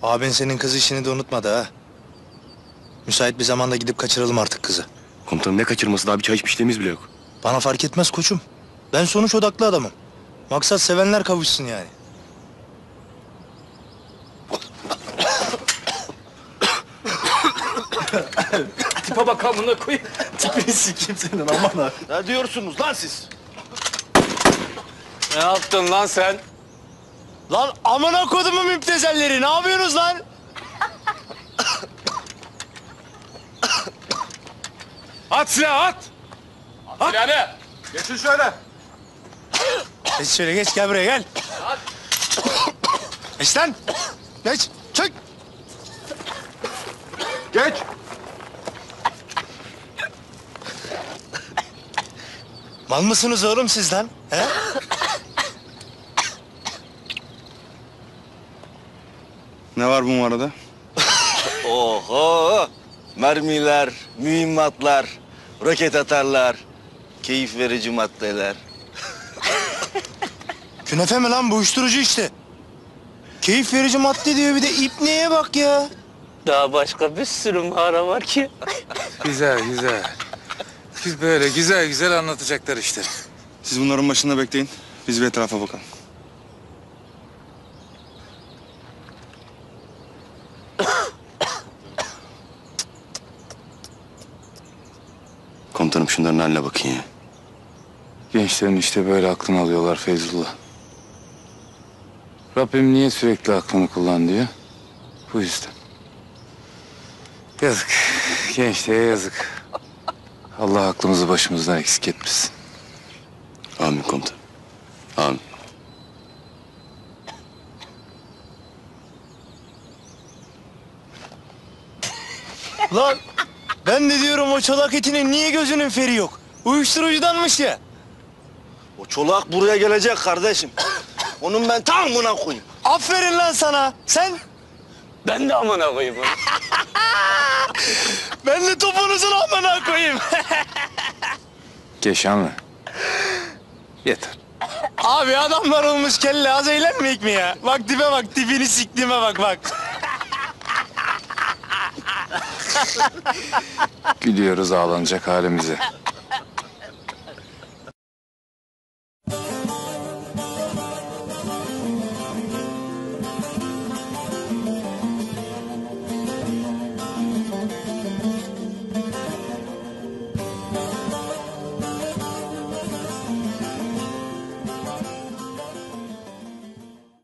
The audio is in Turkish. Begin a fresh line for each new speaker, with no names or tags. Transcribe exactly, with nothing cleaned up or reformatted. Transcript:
Abin senin kız işini de unutmadı ha. Müsait bir zamanda gidip kaçıralım artık kızı.
Komutanım ne kaçırması, daha bir çay içmişliğimiz bile yok.
Bana fark etmez koçum. Ben sonuç odaklı adamım. Maksat sevenler kavuşsun yani.
Tipe bak amına koyayım.
Tipini sikeyim senin aman ha.
Ne diyorsunuz lan siz?
Ne yaptın lan sen?
Lan amına kodumun müptezelleri, ne yapıyorsunuz lan?
At silahı at! At silahını!
Geçin şöyle.
Geç şöyle geç, gel buraya gel. Geç lan. Geç, çık.
Geç.
Mal mısınız oğlum siz lan? He?
Ne var bu arada?
Oho! Mermiler, mühimmatlar, roket atarlar, keyif verici maddeler.
Künefe mi lan bu, uyuşturucu işte. Keyif verici madde diyor, bir de ipneye bak ya.
Daha başka bir sürü mağara var ki.
Güzel güzel. Biz böyle güzel güzel anlatacaklar işte.
Siz bunların başında bekleyin. Biz bir etrafa bakalım. Komutanım şunların haline bakın ya.
Gençlerin işte böyle aklını alıyorlar Feyzullah. Rabbim niye sürekli aklını kullan diyor? Bu yüzden. Yazık. Gençliğe yazık. Allah aklımızı başımızdan eksik etmesin.
Amin komutanım. Amin.
Lan ben de diyorum o çolak etinin niye gözünün feri yok? Uyuşturucudanmış ya.
O çolak buraya gelecek kardeşim. Onun ben tam buna koyayım.
Aferin lan sana. Sen?
Ben de amına koyayım.
Ben de topunuzun amına koyayım.
Keşanlı. Yeter.
Abi adamlar olmuş kelle, az eğlenmeyek mi ya? Bak tipe bak, tipini siktiğime bak bak.
Gülüyoruz ağlanacak halimize.